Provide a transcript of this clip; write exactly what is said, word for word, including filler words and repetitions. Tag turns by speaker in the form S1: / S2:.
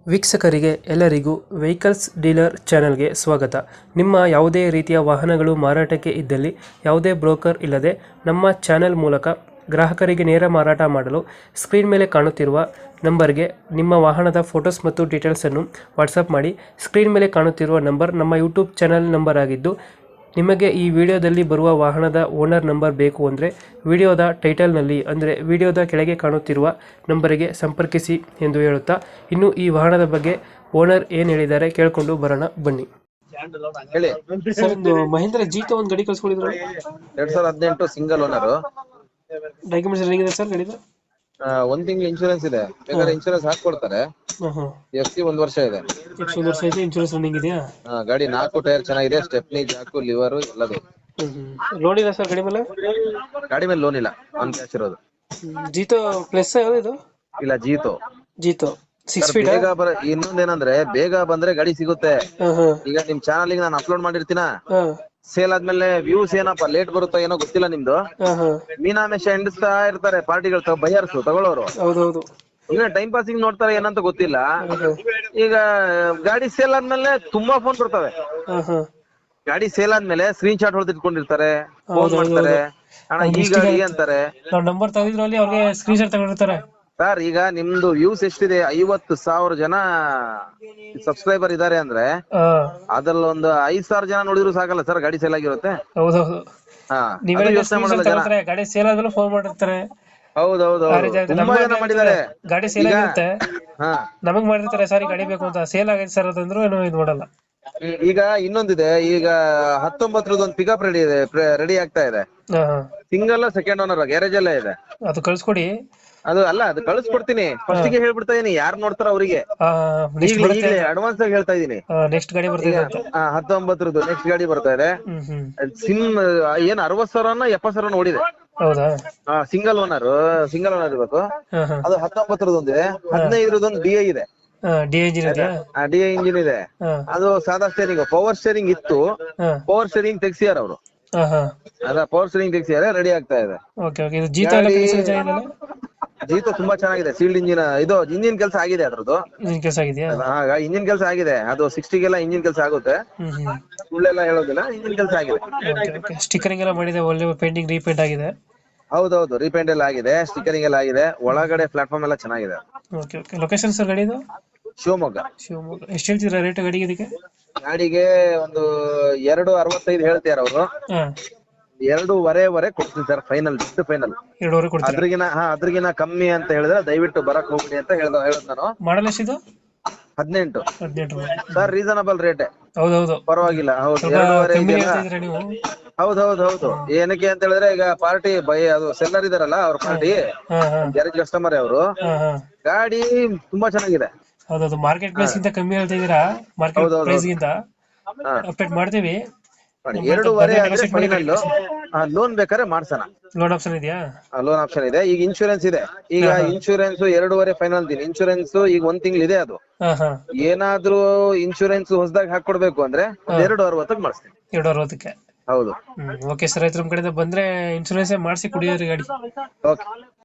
S1: ವೀಕ್ಷಕರಿಗೆ ಎಲ್ಲರಿಗೂ vehicles dealer ಚಾನೆಲ್ಗೆ ಸ್ವಾಗತ. ನಿಮ್ಮ ಯಾವುದೇ ರೀತಿಯ ವಾಹನಗಳು ಮಾರಾಟಕ್ಕೆ ಇದ್ದಲ್ಲಿ ಯಾವುದೇ ಬ್ರೋಕರ್ ಇಲ್ಲದೆ ನಮ್ಮ ಚಾನೆಲ್ ಮೂಲಕ ಗ್ರಾಹಕರಿಗೆ ನೇರ ಮಾರಾಟ ಮಾಡಲು ಸ್ಕ್ರೀನ್ ಮೇಲೆ ಕಾಣುತ್ತಿರುವ ನಂಬರ್ಗೆ ನಿಮ್ಮ ವಾಹನದ ಫೋಟೋಸ್ ಮತ್ತು ಡೀಟೇಲ್ಸನ್ನು ವಾಟ್ಸಪ್ ಮಾಡಿ. ಸ್ಕ್ರೀನ್ ಮೇಲೆ ಕಾಣುತ್ತಿರುವ ನಂಬರ್ ನಮ್ಮ ಯೂಟ್ಯೂಬ್ ಚಾನೆಲ್ ನಂಬರ್ ಆಗಿದ್ದು, ನಿಮಗೆ ಈ ವಿಡಿಯೋದಲ್ಲಿ ಬರುವ ವಾಹನದ ಓನರ್ ನಂಬರ್ ಬೇಕು ಅಂದರೆ ವಿಡಿಯೋದ ಟೈಟಲ್ನಲ್ಲಿ ಅಂದರೆ ವಿಡಿಯೋದ ಕೆಳಗೆ ಕಾಣುತ್ತಿರುವ ನಂಬರಿಗೆ ಸಂಪರ್ಕಿಸಿ ಎಂದು ಹೇಳುತ್ತಾ, ಇನ್ನು ಈ ವಾಹನದ ಬಗ್ಗೆ ಓನರ್ ಏನು ಹೇಳಿದ್ದಾರೆ ಕೇಳಿಕೊಂಡು ಬರೋಣ ಬನ್ನಿ.
S2: ಹೇಳಿ.
S1: ಸರ್, ಒಂದು ಮಹೇಂದ್ರ ಜೀತ ಒಂದು ಗಾಡಿ ಕಳ್ಸ್ಕೊಂಡಿದ್ರು,
S2: ಎರಡ್ ಸಾವಿರದ ಹದಿನೆಂಟು ಸಿಂಗಲ್ ಓನರ್.
S1: ಡಾಕ್ಯುಮೆಂಟ್ಸ್ ರನ್ನಿಂಗ್ ಇದೆ ಸರ್ ಗಾಡಿದು?
S2: ಒಂದ್ ತಿಂಗಳು ಇನ್ಶೂರೆನ್ಸ್ ಇದೆ, ಬೇಕಾದ್ರೆ ಇನ್ಶೂರೆನ್ಸ್ ಹಾಕೊಡ್ತಾರೆ.
S1: ಹಾಂ ಹಾಂ
S2: ಎಫ್ ಸಿ ಒಂದ್ ವರ್ಷ ಇದೆ.
S1: ಎಷ್ಟು ವರ್ಷ ಐತೆ? ಇನ್ಶೂರೆನ್ಸ್ ರನ್ನಿಂಗ್ ಇದೆಯಾ?
S2: ಆ, ಗಾಡಿ ನಾಲ್ಕು ಟೈರ್ ಚೆನ್ನಾಗಿದೆ, ಸ್ಟೆಪ್ನಿ, ಜಾಕು, ಲಿವರ್ ಎಲ್ಲದು.
S1: ಲೋನ್ ಇಲ್ಲ ಸರ್ ಗಾಡಿ ಮೇಲೆ?
S2: ಗಾಡಿ ಮೇಲೆ ಲೋನ್ ಇಲ್ಲ, ಆನ್ ಕ್ಯಾಶ್ ಇರೋದು.
S1: ಜೀತೋ ಪ್ಲಸ್ ಯಾವ್ದು ಇದು?
S2: ಇಲ್ಲ, ಜೀತೋ.
S1: ಜೀತೋ ಸಿಕ್ಸ್ ಫೀಟ್.
S2: ಬೇಗ ಬರ ಇನ್ನೊಂದೇನಂದ್ರೆ ಬೇಗ ಬಂದ್ರೆ ಗಾಡಿ ಸಿಗುತ್ತೆ.
S1: ಹಾಂ ಹಾಂ
S2: ಈಗ ನಿಮ್ ಚಾನಲ್ ನಾನು ಅಪ್ಲೋಡ್ ಮಾಡಿರ್ತೀನ,
S1: ಹಾಂ
S2: ಸೇಲ್ ಆದ್ಮೇಲೆ ವ್ಯೂಸ್ ಏನಪ್ಪ ಲೇಟ್ ಬರುತ್ತೋ ಏನೋ ಗೊತ್ತಿಲ್ಲ ನಿಮ್ದು.
S1: ಹಾಂ ಹಾಂ
S2: ಮೀನಾಮೇಶ ಎಂಡಿಸ್ತಾ ಇರ್ತಾರೆ ಪಾರ್ಟಿಗಳು, ಬೈಯರ್ಸ್ ತಗೊಳ್ಳೋರು.
S1: ಹೌದೌದು.
S2: ಈಗ ಟೈಮ್ ಪಾಸಿಂಗ್ ನೋಡ್ತಾರೆ ಏನಂತ ಗೊತ್ತಿಲ್ಲ. ಈಗ ಗಾಡಿ ಸೇಲ್ ಆದ್ಮೇಲೆ ತುಂಬಾ ಫೋನ್ ಬರ್ತವೆ.
S1: ಹಾಂ ಹಾಂ
S2: ಗಾಡಿ ಸೇಲ್ ಆದ್ಮೇಲೆ ಸ್ಕ್ರೀನ್ ಶಾಟ್ ಹೊಡೆದಿಟ್ಕೊಂಡಿರ್ತಾರೆ, ಫೋನ್ ಮಾಡ್ತಾರೆ, ಅಣ್ಣ ಈ ಗಾಡಿ ಅಂತಾರೆ.
S1: ನಾವು ನಂಬರ್ ತೆಗೆದಿದ್ರು ಅಲ್ಲಿ ಅವ್ರಿಗೆ ಸ್ಕ್ರೀನ್ ಶಾಟ್ ತಗೊಂಡಿರ್ತಾರೆ.
S2: ಸರ್, ಈಗ ನಿಮ್ದು ವ್ಯೂಸ್ ಎಷ್ಟಿದೆ? ಐವತ್ತು ಸಾವಿರ ಜನ ಸಬ್ಸ್ಕ್ರೈಬರ್ ಇದಾರೆ ಅಂದ್ರೆ
S1: ಹಾಂ
S2: ಅದ್ರಲ್ಲಿ ಒಂದು ಐದ್ ಸಾವಿರ ಜನ ನೋಡಿದ್ರು ಸಾಕಲ್ಲ ಸರ್, ಗಾಡಿ ಸೇಲ್ ಆಗಿರುತ್ತೆ.
S1: ಹೌದೌದು.
S2: ಹಾ,
S1: ನೀವೆಲ್ಲ
S2: ಯೋಚನೆ ಮಾಡಲ್ಲ ಜನ.
S1: ತಗೊಳ್ತಾರೆ, ಗಾಡಿ ಸೇಲ್ ಆದ್ಮೇಲೆ ಫೋನ್ ಮಾಡಿರ್ತಾರೆ.
S2: ಹೌದೌದು,
S1: ಆ ರೀತಿ ಆಗುತ್ತೆ.
S2: ತುಂಬಾ
S1: ನಮ್ಮ
S2: ಜನ ಮಾಡಿದ್ದಾರೆ.
S1: ಗಾಡಿ ಸೇಲ್ ಆಗಿರುತ್ತೆ,
S2: ಹಾ,
S1: ನಮಗ್ ಮಾಡಿರ್ತಾರೆ ಸಾರಿ ಗಾಡಿ ಬೇಕು ಅಂತ. ಸೇಲ್ ಆಗೈತೆ ಸರ್ ಅದಂದ್ರು ಏನೋ ಇದು ಮಾಡಲ್ಲ.
S2: ಈಗ ಇನ್ನೊಂದಿದೆ, ಈಗ ಹತ್ತೊಂಬತ್ತರದ್ದು ಒಂದು ಪಿಕಪ್ ರೆಡಿ ಇದೆ, ರೆಡಿ ಆಗ್ತಾ ಇದೆ.
S1: ಹಾ ಹಾ
S2: ಸಿಂಗಲ್ ಸೆಕೆಂಡ್ ಓನರ್, ಗ್ಯಾರೇಜ್ ಅಲ್ಲೇ ಇದೆ.
S1: ಅದು ಕಳ್ಸ್ಕೊಡಿ.
S2: ಅದು ಅಲ್ಲ, ಅದು ಕಳಿಸ್ಕೊಡ್ತೀನಿ. ಫಸ್ಟ್ ಗೆ ಹೇಳ್ಬಿಡ್ತಾ ಇದೀನಿ, ಯಾರು ನೋಡ್ತಾರ ಅವರಿಗೆ ಈಗಲೇ ಅಡ್ವಾನ್ಸ್ ಆಗಿ ಹೇಳ್ತಾ ಇದೀನಿ.
S1: ನೆಕ್ಸ್ಟ್ ಗಾಡಿ ಬರ್ತಿದೆ ಅಂತ.
S2: ಹತ್ತೊಂಬತ್ತರದ್ದು ನೆಕ್ಸ್ಟ್ ಗಾಡಿ ಬರ್ತಾ ಇದೆ.
S1: ಹ್ಮ್ ಹ್ಮ್
S2: ಸಿಮ್ ಏನ್ ಅರವತ್ ಸಾವಿರನ ಎಪ್ಪತ್ ಸಾವಿರ ಓಡಿದೆ.
S1: ಹೌದಾ?
S2: ಸಿಂಗಲ್ ಓನರ್, ಸಿಂಗಲ್ ಓನರ್ ಇರ್ಬೇಕು.
S1: ಹಾ ಹಾ
S2: ಅದು ಹತ್ತೊಂಬತ್ತರದೊಂದಿದೆ, ಹದಿನೈದರದೊಂದು ಡಿ ಐ ಇದೆ.
S1: ಡಿ ಇಂಜಿನ್ ಇದೆಯಾ?
S2: ಡಿ ಐ ಇಂಜಿನ್ ಇದೆ.
S1: ಹಾ
S2: ಅದು ಸಾದಾ ಸ್ಟೇರಿಂಗ್, ಪವರ್ ಸ್ಟೇರಿಂಗ್ ಇತ್ತು,
S1: ಹಾ
S2: ಪವರ್ ಸ್ಟೇರಿಂಗ್ ತೆಗ್ಸಿಯಾರ ಅವರು.
S1: ಹಾ ಹಾ
S2: ಅದ ಪವರ್ ಸ್ಟೇರಿಂಗ್ ತೆಗ್ಸಿಯಾರೆ, ರೆಡಿ ಆಗ್ತಾ ಇದೆ.
S1: Okay okay. ಇದು ಜೀತ ಎಲ್ಲ ಕೆಲಸ ಚೆನ್ನಾಗಿದೆಯಲ್ಲ?
S2: ಜೀತೋ ತುಂಬಾ ಚೆನ್ನಾಗಿದೆ. ಸೀಲ್ಡ್ ಇಂಜಿನ್, ಇದು ಇಂಜಿನ್ ಕೆಲಸ ಆಗಿದೆ ಅದ್ರದ್ದು.
S1: ಇಂಜಿನ್ ಕೆಲಸ ಆಗಿದೆಯಾ?
S2: ಇಂಜಿನ್ ಕೆಲಸ ಆಗಿದೆ. ಅದು ಸಿಕ್ಸ್ಟಿಗೆಲ್ಲ ಇಂಜಿನ್ ಕೆಲಸ ಆಗುತ್ತೆ,
S1: ಹ್ಮ್ ಹ್ಮ್
S2: ಸುಳ್ಳೆಲ್ಲ ಹೇಳೋದಿಲ್ಲ, ಇಂಜಿನ್ ಕೆಲಸ ಆಗಿದೆ.
S1: Okay okay. ಸ್ಟಿಕರಿಂಗ್ ಎಲ್ಲ ಮಾಡಿದೆ, ಒಳ್ಳೆ ಪೇಂಟಿಂಗ್ ರೀಪೇಂಟ್ ಆಗಿದೆ.
S2: ಹೌದೌದು, ರೀಪೇಂಟ್ ಎಲ್ಲ ಆಗಿದೆ, ಸ್ಟಿಕರಿಂಗ್ ಎಲ್ಲ ಆಗಿದೆ. ಒಳಗಡೆ ಪ್ಲಾಟ್ಫಾರ್ಮ್ ಎಲ್ಲ ಚೆನ್ನಾಗಿದೆ.
S1: Okay okay. ಲೊಕೇಶನ್ ಸರ್ ಗಾಡಿದು?
S2: ಶಿವಮೊಗ್ಗ.
S1: ಶಿವಮೊಗ್ಗ. ಎಷ್ಟು ಹೇಳ್ತೀರಾ ರೇಟ್ ಗಾಡಿಗೆ ಇದಕ್ಕೆ?
S2: ಗಾಡಿಗೆ ಒಂದು ಎರಡು ಅರವತ್ತೈದು ಹೇಳ್ತಾರ ಅವರು.
S1: ಹಾ,
S2: ಎರಡೂವರೆವರೆ ಕೊಡ್ತೀನಿ ಸರ್, ಫೈನಲ್, ಬಿಟ್ಟು ಫೈನಲ್.
S1: ಎರಡೂವರೆ ಕೊಡ್ತೀರಾ?
S2: ಅದ್ರಿಗಿನ ಹಾ ಅದ್ರಿಗಿನ ಕಮ್ಮಿ ಅಂತ ಹೇಳಿದ್ರೆ ದಯವಿಟ್ಟು ಬರಕ್ ಹೋಗ್ಬಿಡಿ ಅಂತ ಹೇಳ್ದ ಹೇಳದ್ ನಾನು.
S1: ಮಾಡಲ್ ಎಷ್ಟಿದು?
S2: ಹದಿನೆಂಟು
S1: ಹದಿನೆಂಟು.
S2: ಸರ್, ರೀಸನಬಲ್ ರೇಟ್,
S1: ಹೌದೌದು.
S2: ಪರವಾಗಿಲ್ಲ. ಹೌದು,
S1: ಸ್ವಲ್ಪ
S2: ಎರಡೂವರೆ
S1: ಕಮ್ಮಿ
S2: ಇದೆಯಲ್ಲ.
S1: ಹೇಳ್ತಾ ಇದ್ದೀರಾ ನೀವು?
S2: ಹೌದೌದು ಹೌದು. ಏನಕ್ಕೆ ಅಂತ ಹೇಳಿದ್ರೆ ಈಗ ಪಾರ್ಟಿ ಬೈ ಅದು ಸೆಲ್ಲರ್ ಇದಾರಲ್ಲ, ಅವ್ರ ಪಾರ್ಟಿ
S1: ಹಾ ಹಾ
S2: ಗ್ಯಾರೇಜ್ ಕಸ್ಟಮರ್ ಅವರು.
S1: ಹಾ ಹಾ
S2: ಗಾಡಿ ತುಂಬಾ ಚೆನ್ನಾಗಿದೆ.
S1: ಹೌದೌದು. ಮಾರ್ಕೆಟ್ ಪ್ರೈಸ್ ಗಿಂತ ಕಮ್ಮಿ ಹೇಳ್ತಾ ಇದೀರಾ, ಮಾರ್ಕೆಟ್
S2: ಹೌದೌದು.
S1: ಪ್ರೈಸ್ ಗಿಂತ.
S2: ಹಾ,
S1: ಅಪ್ಡೇಟ್ ಮಾಡ್ತೀವಿ.
S2: ನೋಡಿ, ಎರಡೂವರೆ ಆದ್ರೆ ಫೈನಲ್. ಲೋನ್ ಬೇಕಾದ್ರೆ ಮಾಡ್ಸೋಣ,
S1: ಲೋನ್ ಆಪ್ಷನ್ ಇದೆಯಾ?
S2: ಲೋನ್ ಆಪ್ಷನ್ ಇದೆ. ಈಗ ಇನ್ಶೂರೆನ್ಸ್ ಇದೆ. ಈಗ ಇನ್ಶೂರೆನ್ಸ್ ಎರಡೂವರೆ ಫೈನಲ್ ದಿನ. ಇನ್ಶೂರೆನ್ಸ್ ಈಗ ಒಂದ್ ತಿಂಗಳು ಇದೆ. ಅದು
S1: ಹಾ ಹಾ
S2: ಏನಾದ್ರೂ ಇನ್ಶೂರೆನ್ಸ್ ಹೊಸದಾಗಿ ಹಾಕೊಡ್ಬೇಕು ಅಂದ್ರೆ ಒಂದ್ ಎರಡು ಅರವತ್ತಕ್ಕೆ ಮಾಡಿಸ್ತೀನಿ.
S1: ಎರಡು ಅರವತ್ತಕ್ಕೆ.
S2: ಹೌದು.
S1: Hmm okay sir. ಆಯ್ತು, ನಮ್ ಕಡೆಯಿಂದ ಬಂದ್ರೆ ಇನ್ಶೂರೆನ್ಸ್ ಮಾಡಿಸಿ ಕುಡಿಯೋರಿ ಗಾಡಿ.
S2: ಓಕೆ.